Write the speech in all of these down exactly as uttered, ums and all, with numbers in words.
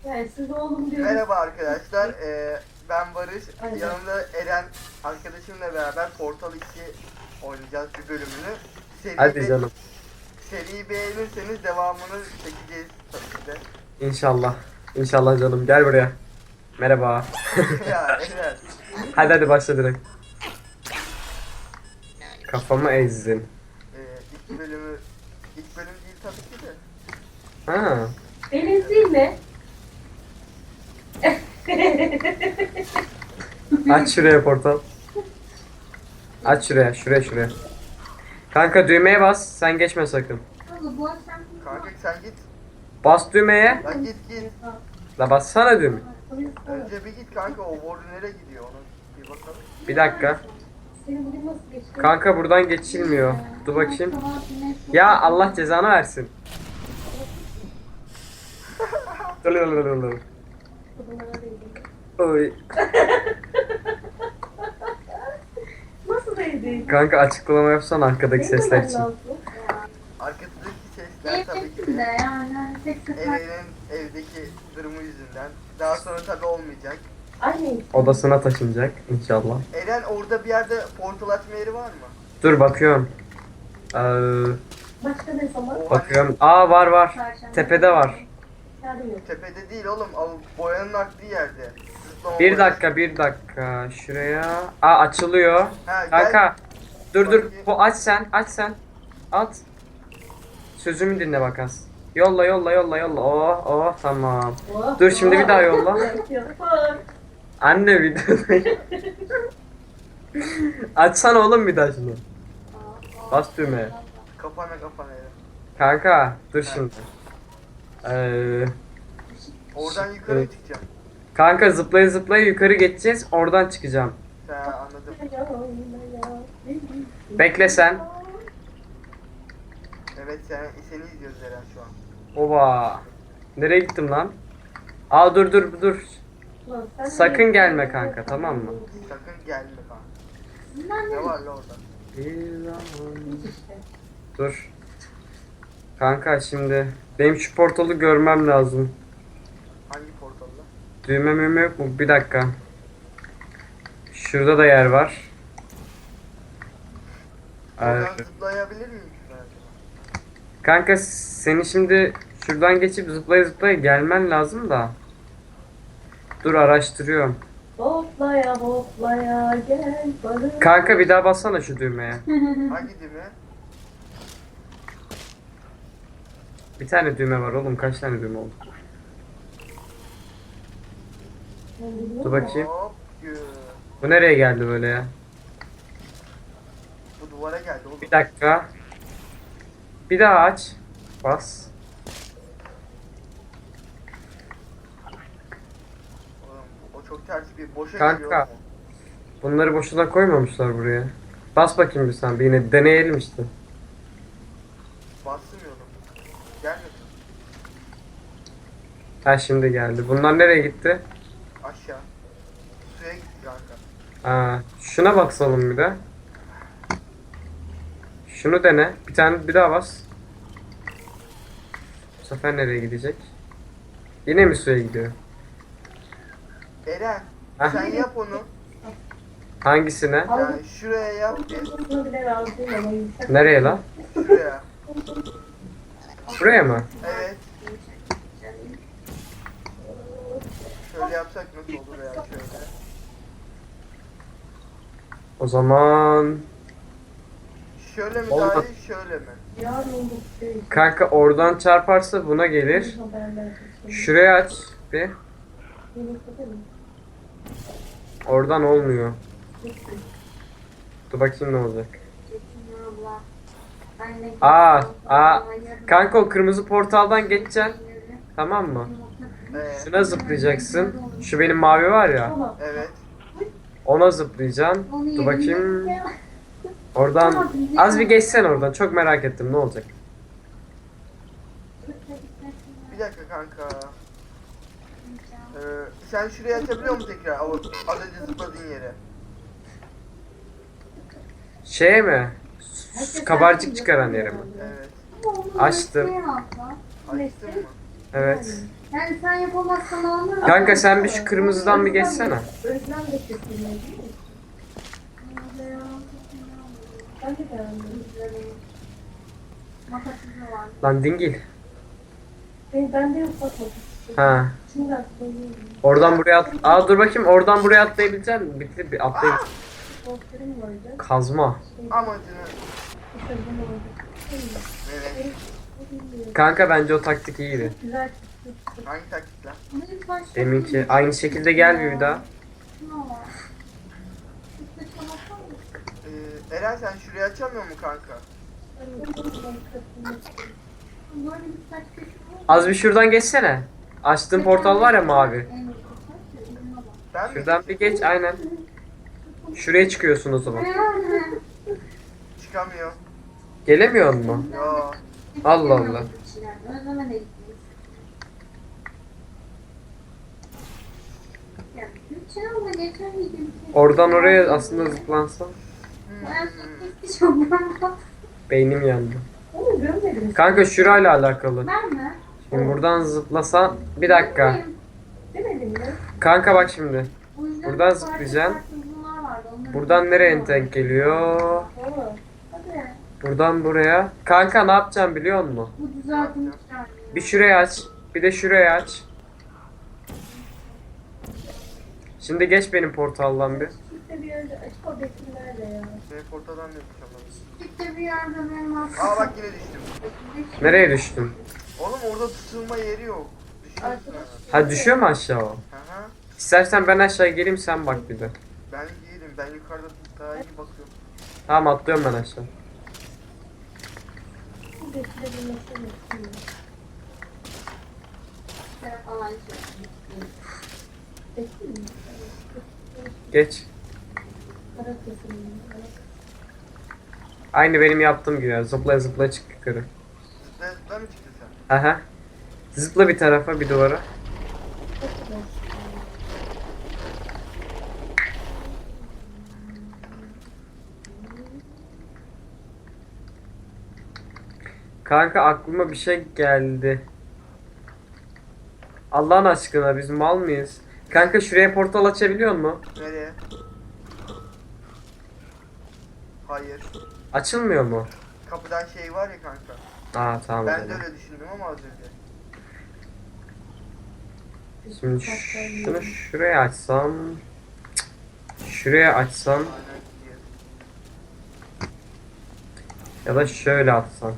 Yani siz oğlum diyoruz. Merhaba arkadaşlar, ee, ben Barış. Aynen. Yanımda Eren arkadaşımla beraber Portal iki oynayacağız bir bölümünü. Seri Hadi be- canım. Seriyi beğenirseniz devamını çekeceğiz tabii ki de. İnşallah. İnşallah canım. Gel buraya. Merhaba. Ya Eren, Hadi hadi başla direkt. Kafamı ezdin. ee, ilk bölümü, ilk bölüm değil tabii ki de. Ha. Deniz değil mi? Aç şuraya portal. Aç şuraya, şuraya, şuraya. Kanka düğmeye bas. Sen geçme sakın. Kanka sen git, Bas düğmeye. lan git git. La bassana düğme. Önce bir git kanka, o board nereye gidiyor onu bir bakalım. Bir dakika. Senin bugün nasıl geçti? Kanka buradan geçilmiyor. Dur bakayım. Ya Allah cezanı versin. Dur, dur, dur, dur, dur. Oy. Nasıl değdi? Kanka açıklama yapsana arkadaki sesler için. Arkadaki sesler tabii ki de Eren'in evdeki durumu yüzünden. Daha sonra tabii olmayacak. Anne. Odasına taşınacak inşallah. Eren, orada bir yerde portal açma yeri var mı? Dur bakıyorum. Ee, Başka ne zaman? O bakıyorum. Aa var var. Tepede var. Yardım yok. hani tepede değil oğlum, o boyanın aktığı yerde. Zıplama Bir boyası. dakika bir dakika. Şuraya. Aa açılıyor. Ha, gel. Kanka. Dur dur. Bakayım. Bu aç sen. Aç sen. At. Sözümü dinle bak az. Yolla yolla yolla yolla. Oh oh tamam. Oh, Dur şimdi bir daha yolla. Yapar. Anne videodayım. Açsana oğlum bir daha şunu. Bas düğmeye. Kafana kafana Eren. Kanka dur şimdi. Ee, Oradan yukarı Evet. çıkacağım. kanka zıplaya zıplaya yukarı geçeceğiz. Oradan çıkacağım. Ha, anladım. Bekle sen. Evet, sen, seni izliyoruz Eren şu an. Oba. Nereye gittim lan? Aa dur dur dur. Sakın gelme kanka, tamam mı? Sakın gelme kanka. Ne var la orada? Dur. Kanka şimdi benim şu portalı görmem lazım. Hangi portalda? Düğme müğme yok mu? Bir dakika. Şurada da yer var. Oradan Ee, zıplayabilir miyim ben acaba? kanka seni şimdi şuradan geçip zıplaya zıplaya gelmen lazım da. Dur araştırıyorum. Hoplaya hoplaya gel barış. Kanka bir daha bassana şu düğmeye. Hangi düğme? Bir tane düğme var oğlum, kaç tane düğme oldu? Dur bakayım. Hop gü. Bu nereye geldi böyle ya? Bu duvara geldi oğlum. Bir dakika. Bir daha aç. Bas. Oğlum, o çok ters bir boşa Kanka. geliyor oğlum. Bunları boşuna koymamışlar buraya. Bas bakayım bir sen. Bir yine deneyelim işte. Bastırmıyordum. Gelmedi. Ha şimdi geldi. Bunlar nereye gitti? Aşağı. Suya gitti kanka. Aa, şuna basalım bir de. Şunu dene. Bir tane bir daha bas. Bu sefer nereye gidecek? Yine mi suya gidiyor? Eren, Heh. sen yap onu. Hangisine? Yani şuraya yap ki. Nereye lan? Şuraya. Buraya mı? Evet. Şöyle yapsak nasıl olur ya, şöyle. O zaman Şöyle mi Olmaz. daha iyi, şöyle mi? kanka oradan çarparsa buna gelir. Şuraya aç bir. Oradan olmuyor. Dur bakayım ne olacak. Aa, aa. Kanka o kırmızı portaldan geçeceksin. Tamam mı? Ee, Şuna zıplayacaksın. Şu benim mavi var ya. evet. Ona zıplayacaksın. Dur bakayım. Oradan az bir geçsen oradan. Çok merak ettim ne olacak. Bir dakika kanka. Ee, sen şuraya açabiliyor musun tekrar? O az önce zıpladığın yere. Şeye mi? Su- Kabarcık çıkaran yere mi? Evet. Açtım. Açtın mı? Evet. Yani sen yapamazsan olmaz. Kanka sen bir şu kırmızıdan bir geçsene. Özlem de kesilmedi değil mi? Ben de beğendim. Makasızı var. Lan dingil. Ben, ben de yok bakmadım. Ha. Şimdi atlayayım. Oradan buraya at. Aa dur bakayım oradan buraya atlayabilecek misin? Bitti bir atlayayım. Korkularım vardı. Kazma. Amacını. İşte bunu oldu. Evet. Kanka bence o taktik iyiydi. Güzel çıktı. Hangi taktikler? Lütfen şu- Deminki aynı şekilde gel bir daha. Şuna var. Üstte çalasana. Ee, Eren sen şurayı açamıyor mu kanka? Böyle bir saç köşe var. Az bir şuradan geçsene. Açtığın portal var ya mavi. En iyi saç ya, eline bak. Ben mi? Şuradan bir geç aynen. Şuraya çıkıyorsun o zaman. Çıkamıyor. Gelemiyor mu? Yo. Allah Allah. Özleme de gitmeyiz. Ya lütfen ama geçemeydim. Oradan oraya aslında zıplansan. Ben çok istiyorum ben. Beynim yandı. Onu görmedim. Kanka şurayla alakalı. Ben mi? Şimdi buradan zıplasan bir dakika. Demedim mi? Kanka bak şimdi. O yüzden Buradan farklı zıplayacaksın. farklı bunlar vardı, onları Buradan nereye bilmiyorum. denk geliyor? Oo. Hadi. Buradan buraya. Kanka ne yapacağım biliyor musun? Bu düzeltmiş yani. Bir şuraya aç. Bir de şuraya aç. Şimdi geç benim portaldan bir. İşte bir yerde açık o bekli nerede ya? Benim portadan ne çıkamam. Çıktı bir yerde benim aslında. Aa bak yine düştüm. Nereye düştün? Oğlum orada tutulma yeri yok. Düşüyorsun hemen. Ha düşüyor mu aşağı o? Hı hı. İstersen ben aşağı geleyim sen bak bir de. Ben değilim. Ben yukarıda daha iyi bakıyorum. Tamam atlıyorum ben aşağı. Bu bekli bir mesele yok. Şöyle falan şey. Bekli mi? Geç. Kara kesilmiyor. Aynı benim yaptığım gibi. Zıpla zıpla çık yukarı. Zıpla zıpla mı çıktın sen? Aha. Zıpla bir tarafa bir duvara. Çok güzel. Kanka aklıma bir şey geldi. Allah'ın aşkına biz mal mıyız? Kanka şuraya portal açabiliyor mu? Nereye? Hayır. Açılmıyor mu? Kapıdan şey var ya kanka. Aa tamam. o Ben de zaman. öyle düşündüm ama az önce. Şimdi şunu şuraya açsam. Cık. Şuraya açsam Aynen gidiyor. ya da şöyle atsam.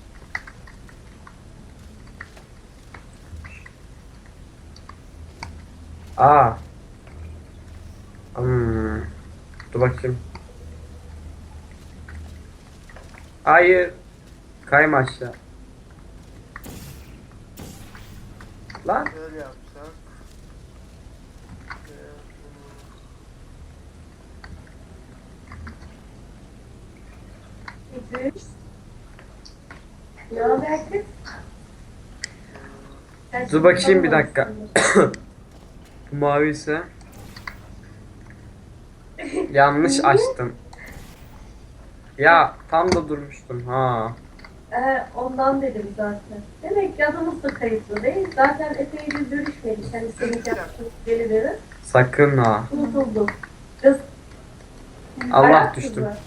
Aa. Hmm. Dur bakayım. Hayır. Kayma aşağı. Lan. Şöyle yapsak. Şöyle bunu- İdris. Ne haber kız? Sen Dur bakayım bir dakika. tanımazsın. Bu mavi ise yanlış açtım. Ya tam da durmuştum ha. Ee, ondan dedim zaten. Demek ki adımız da kayıtlı değil. Zaten epeydir görüşmedik. Hani senin yaptığın birileri. Sakın ha. Unutuldum. Kız. Allah ayak düştüm. kızlar.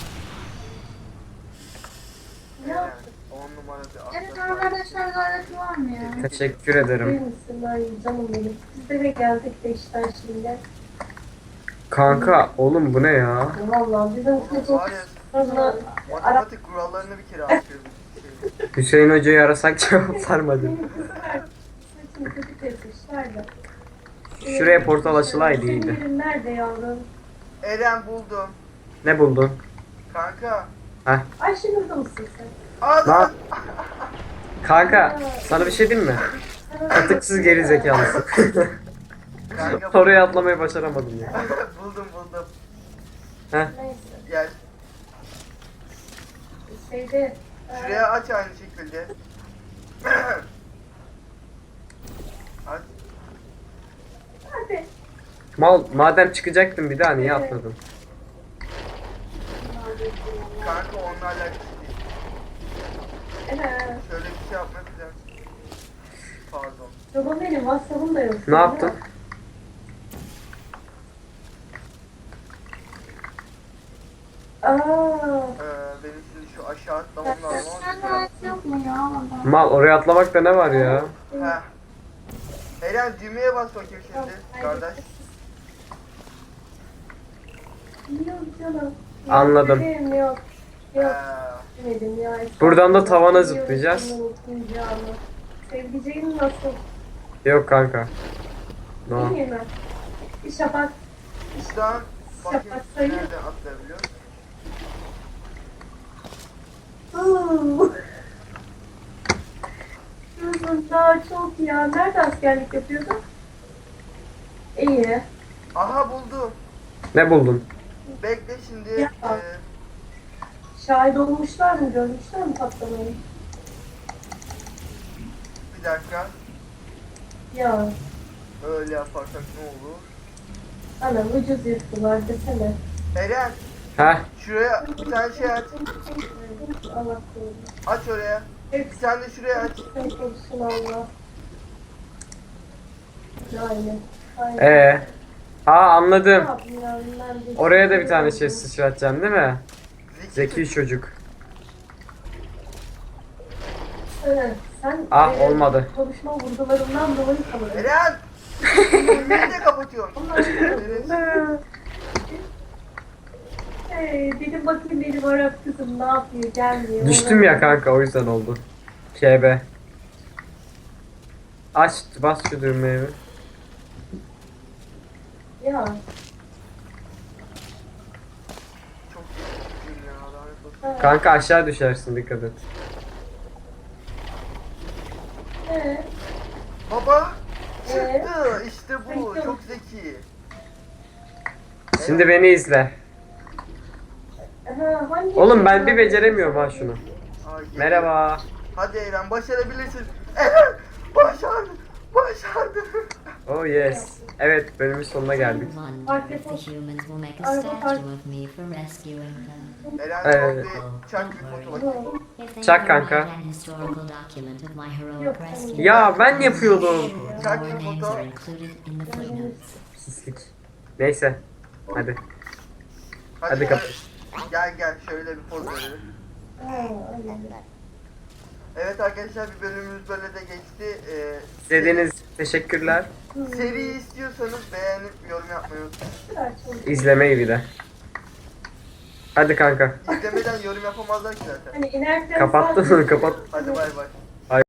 Ne Aynen. yaptın? On numara bir Evet atlas var. arkadaşlar gayret var mı ya? Teşekkür Değil ederim. misin? Ay canım benim. Biz de eve geldik de işten şimdi. Kanka oğlum bu ne ya? Vallahi bizim Oğlum kız var ya sonra Arap matematik kurallarını bir kere atıyorduk. Şey, Hüseyin Hoca'yı arasak cevap vermedi. benim kızlar saçını kötü kesmişler de. Şuraya portal açılaydı Senin iyiydi. yerin nerede yavrum? Eren buldum. Ne buldun? Kanka. Ayşe burada mısın sen? Aa, Lan. Kanka sana bir şey diyeyim mi? Sana- Katıksız geri zekalısın. Kanka Oraya atlamayı başaramadım ya. buldum buldum. Neyse. Gel. Şeyde e, Şuraya aç aynı şekilde. Aç. hadi. Mal madem çıkacaktın bir daha niye atladın? Kanka onunla alakası değil. Evet. Şöyle bir şey yapmak lazım. Pardon. Yolun Ama benim WhatsApp'ım da yok. Ne yaptın? Aa, Ee, benim şimdi şu aşağı atlamam lazım Sen ama de yok mu ya orada? Mal oraya atlamakta ne var ya? Heh. Eren düğmeye bas bakayım şimdi kardeş. yok canım. Anladım. Benim yok. Yok. Ee, Demedim ya. Buradan da tavana Biliyorum zıplayacağız. senin unutmayacağını. Sevdiceğin nasıl? Yok kanka. No. İyi mi? Bir şafak. Şuradan bakayım Şafak sayı. nereden atlayabiliyor. Uuu. Yusuf daha çok ya. Nerede askerlik yapıyordun? İyi. Aha buldum. Ne buldun? Bekle şimdi. Ya. Ee, Şahit olmuşlar mı? Görmüşler mi patlamayı? bir dakika. Ya. Öyle yaparsak ne olur? Anam ucuz yırttılar desene. Eren Heh. şuraya bir tane şey aç. Allah korusun. Aç oraya. Hep Bir tane de şuraya aç. sen korusun Allah. Aynen. Aynen. Ee. Aa Ne anladım. yapayım ya, bilmem ne. Oraya da bir tane şey sıçratacaksın değil mi? Zeki çocuk. Evet, sen Ah, e, olmadı. konuşma vurgularından dolayı sanırım. Eren! Düğmeyi de kapatıyorum. Eren, Hey, dedim bakayım benim Arap kızım ne yapıyor, gelmiyor. Düştüm ya kanka o yüzden oldu. K B. Aç bas şu düğmeye bir. Ya, Çok üzüldüm ya. Lanet olsun. ha, Kanka aşağı düşersin dikkat et. ee, Baba! Ee? Çıktı! İşte bu. Çok zeki. Şimdi beni izle. ha, hangi Oğlum ben bir beceremiyorum ha şunu. Ay, geliyor. Merhaba. Hadi Eren başarabilirsin. Eren! Başardın! Başardın! Oh yes. Evet bölümün sonuna geldik. Fark Wonder if the etmez. humans will make a Araba statue fark- of me for rescuing them. Eren Evet. son bir çak bir foto bakayım. If they Çak ever kanka. write an historical document of my heroic Yok, rescue, Ya ben yapıyordum. Çak our bir names foto. are included in the footnotes. Pislik. Neyse. Hadi. Hadi gel. kapat. Gel gel şöyle bir poz verelim. Ha, aynen. Evet arkadaşlar bir bölümümüz böyle de geçti. Ee, İzlediğiniz için teşekkürler. Seri istiyorsanız beğenip yorum yapmayı unutmayın. Kadar çok. İzlemeyi bir de. Hadi kanka. İzlemeden yorum yapamazlar ki zaten. Hani inerken Kapattın sadece- mı? Kapat. Hadi bay bay.